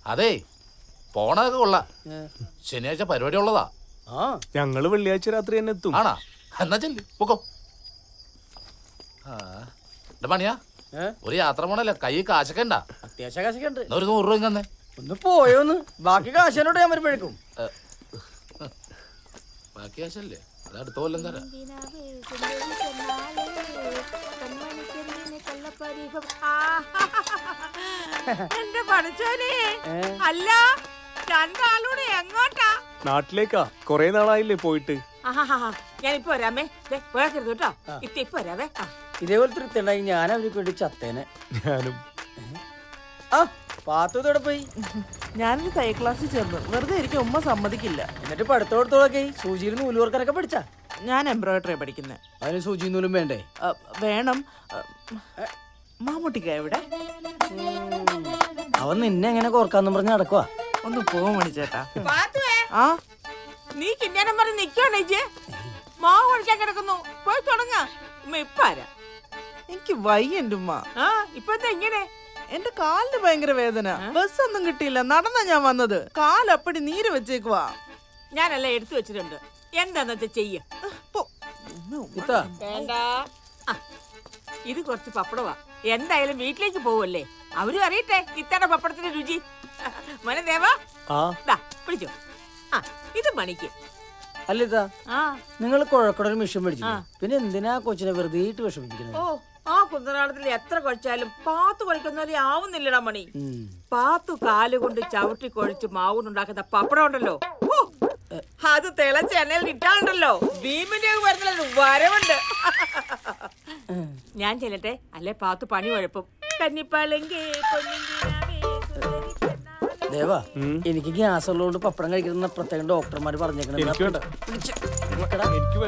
അതെ പോണതൊക്കെ കൊള്ളാം. ശനിയാഴ്ച പരിപാടി ഉള്ളതാ. ഞങ്ങള് വെള്ളിയാഴ്ച രാത്രി തന്നെ എത്തും. ആണാ? എന്നാ ചെല്ലി പൊക്കോ. പണിയാ ഒരു യാത്ര പോണല്ലേ, കൈ കാശൊക്കെ ഉണ്ടാ? അത്യാവശ്യം കാശൊക്കെ ഉണ്ട്. ഒരു 100 രൂപ തന്നെ. ഒന്ന് പോയോന്ന്, ബാക്കി കാശനോട് ഞാൻ വരുമ്പോഴേക്കും. ബാക്കി കാശല്ലേ, അത് അടുത്ത കൊല്ലം തരാം. എന്റെ പഠിച്ചോനെ, അല്ല രണ്ടാളൂടെ എങ്ങോട്ടാ? നാട്ടിലേക്കാ, കൊറേ നാളായില്ലേ പോയിട്ട്. ഞാനിപ്പോ വരാമേ, പോയാക്കരുത് കേട്ടോ. ഇപ്പൊ വരാവേ. ഇതേപോലത്തെ ഒരുത്തുണ്ടായി ഞാൻ അവർക്ക് വേണ്ടി ചത്തേനെ. ഞാനും. ആ പാത്തോടെ പോയി. ഞാനൊരു തയ്യൽ ക്ലാസ്സിൽ ചേർന്നു. വെറുതെ ഇരിക്കും, ഉമ്മ സമ്മതിക്കില്ല. എന്നിട്ട് പഠിത്തോടത്തോളൊക്കെ സൂചിയിൽ നൂലുവർക്കാനൊക്കെ പഠിച്ചാ? ഞാൻ എംബ്രോയിഡറി പഠിക്കുന്നത്. അതിന് സൂചി നൂലും വേണ്ടേ? വേണം. മാമൂട്ടിക്ക എവിടെ? അവൻ നിന്നെ എങ്ങനെ കോർക്കാന്നും പറഞ്ഞ് നടക്കുവാ. ഒന്ന് പോവാൻ മണിച്ചേട്ടാ. ആ നീ കിന്നാനം പറഞ്ഞ് നിക്കണേ, മാവ് കഴിക്കാൻ കിടക്കുന്നു. പോയി തുടങ്ങ. ഉമ്മ ഇപ്പ ആരാ? എനിക്ക് വയ്യ എന്റെ ഉമ്മ. ഇപ്പൊ എന്താ ഇങ്ങനെ? എന്റെ കാലിന് ഭയങ്കര വേദന. ബസ് ഒന്നും കിട്ടിയില്ല, നടന്നാ ഞാൻ വന്നത്. കാലപ്പടി നീര് വെച്ചേക്കുവാ. ഞാനെല്ലാം എടുത്തു വെച്ചിട്ടുണ്ട്, എന്താന്ന് വെച്ചാ ചെയ്യ. വേണ്ട, ഇത് കുറച്ച് പപ്പടവാ. എന്തായാലും വീട്ടിലേക്ക് പോവല്ലേ, അവരും അറിയട്ടെ ഇത്തയുടെ പപ്പടത്തിന്റെ രുചി. മോനെ ദേവാ, പിടിച്ചോ. ഇത് മണിക്ക്. അല്ലിതാ, നിങ്ങൾ കുഴക്കടൊരു മിഷൻ മേടിച്ചു, പിന്നെ എന്തിനാ കൊച്ചിനെ വെറുതെ വിഷമിപ്പിക്കുന്നത്? ഓ, ആ കുന്തനാളത്തിൽ എത്ര കുഴച്ചാലും പാത്തു കുഴക്കുന്നവരെ ആവുന്നില്ലടാ മണി. പാത്തു കാലുകൊണ്ട് ചവിട്ടി കുഴച്ച് മാവുണ്ടാക്കുന്ന പപ്പടം ഉണ്ടല്ലോ, അത് തിളച്ച എണ്ണയിൽ ഇട്ടാണ്ടല്ലോ, ഭീമിന്റെ വരുന്ന വരവുണ്ട്. ഞാൻ ചെല്ലട്ടെ, അല്ലെ പാത്തു പണി കുഴപ്പം. കന്നിപ്പാലെങ്കി ദേവാ, എനിക്ക് ഗ്യാസ് ഉള്ളതുകൊണ്ട് പപ്പടം കഴിക്കുന്ന പ്രത്യേകം ഡോക്ടർമാര് പറഞ്ഞേക്കണേ.